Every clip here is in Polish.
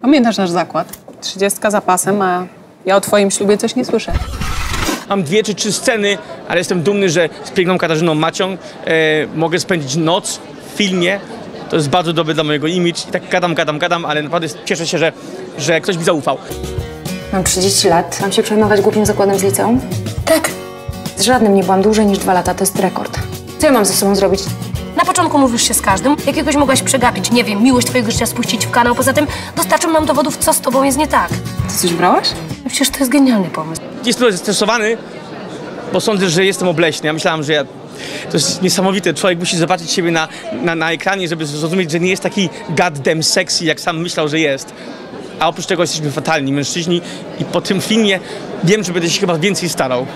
Pamiętasz nasz zakład? 30 za pasem, a ja o twoim ślubie coś nie słyszę. Mam 2 czy 3 sceny, ale jestem dumny, że z piękną Katarzyną Macią mogę spędzić noc w filmie. To jest bardzo dobre dla mojego image. I tak gadam, ale naprawdę cieszę się, że ktoś mi zaufał. Mam 30 lat. Mam się przejmować głupim zakładem z liceum? Tak. Z żadnym nie byłam dłużej niż 2 lata, to jest rekord. Co ja mam ze sobą zrobić? Na początku mówisz się z każdym. Jakiegoś mogłaś przegapić, nie wiem, miłość twojego życia spuścić w kanał. Poza tym dostarczą nam dowodów, co z tobą jest nie tak. Ty coś brałaś? Przecież to jest genialny pomysł. Jestem trochę zestresowany, bo sądzę, że jestem obleśny. Ja myślałem, że to jest niesamowite. Człowiek musi zobaczyć siebie na ekranie, żeby zrozumieć, że nie jest taki goddamn sexy, jak sam myślał, że jest. A oprócz tego jesteśmy fatalni mężczyźni i po tym filmie wiem, że będę się chyba więcej starał.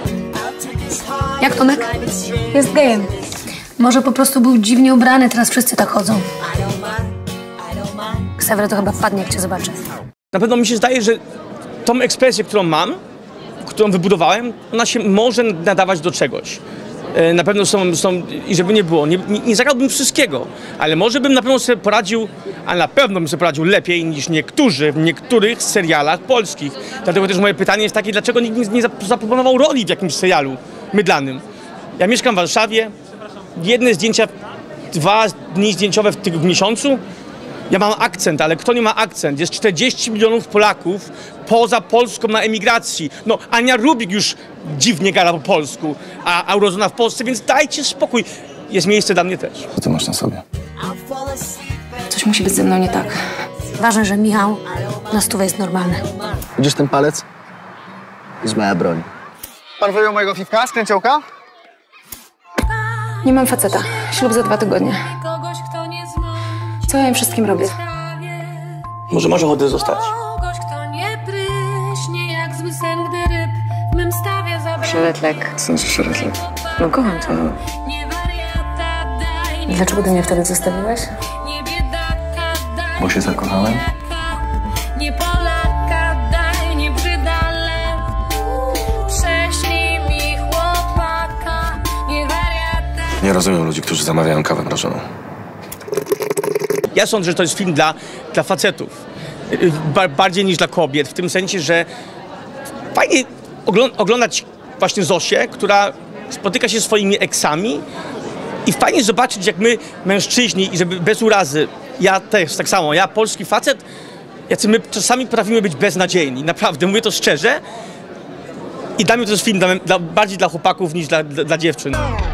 Jak Tomek? Jest gejem. Może po prostu był dziwnie ubrany, teraz wszyscy tak chodzą. Ksawry to chyba wpadnie, jak cię zobaczy. Na pewno mi się zdaje, że tą ekspresję, którą mam, którą wybudowałem, ona się może nadawać do czegoś. Na pewno są i żeby nie było, nie zagrałbym wszystkiego, ale może bym na pewno sobie poradził, a na pewno bym sobie poradził lepiej niż niektórzy w niektórych serialach polskich. Dlatego też moje pytanie jest takie, dlaczego nikt nie zaproponował roli w jakimś serialu mydlanym. Ja mieszkam w Warszawie, jedne zdjęcia, 2 dni zdjęciowe w miesiącu. Ja mam akcent, ale kto nie ma akcent? Jest 40 milionów Polaków poza Polską na emigracji. No, Ania Rubik już dziwnie gada po polsku, a Eurozona w Polsce, więc dajcie spokój. Jest miejsce dla mnie też. Co ty masz na sobie? Coś musi być ze mną nie tak. Ważne, że Michał na stówę jest normalny. Widzisz ten palec? To jest moja broń. Pan wyjął mojego fifka z kręciołka? Nie mam faceta. Ślub za 2 tygodnie. Co ja im wszystkim robię? Może masz ochotę zostać? 3-letnek. Sądzę, że lepiej. No kocham cię. Dlaczego ty mnie wtedy zostawiłeś? Bo się zakochałem? Nie Polaka, daj, nie brzydale. Prześlij mi chłopaka, nie wariata. Nie rozumiem ludzi, którzy zamawiają kawę mrożoną. Ja sądzę, że to jest film dla facetów, bardziej niż dla kobiet, w tym sensie, że fajnie oglądać właśnie Zosię, która spotyka się ze swoimi eksami i fajnie zobaczyć, jak my, mężczyźni, i żeby bez urazy, ja też tak samo, ja polski facet, jacy my czasami potrafimy być beznadziejni, naprawdę, mówię to szczerze i dla mnie to jest film bardziej dla chłopaków niż dla dziewczyn.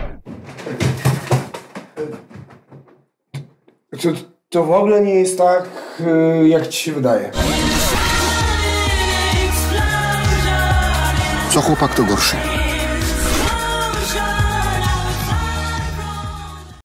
To w ogóle nie jest tak, jak ci się wydaje. Co chłopak to gorszy?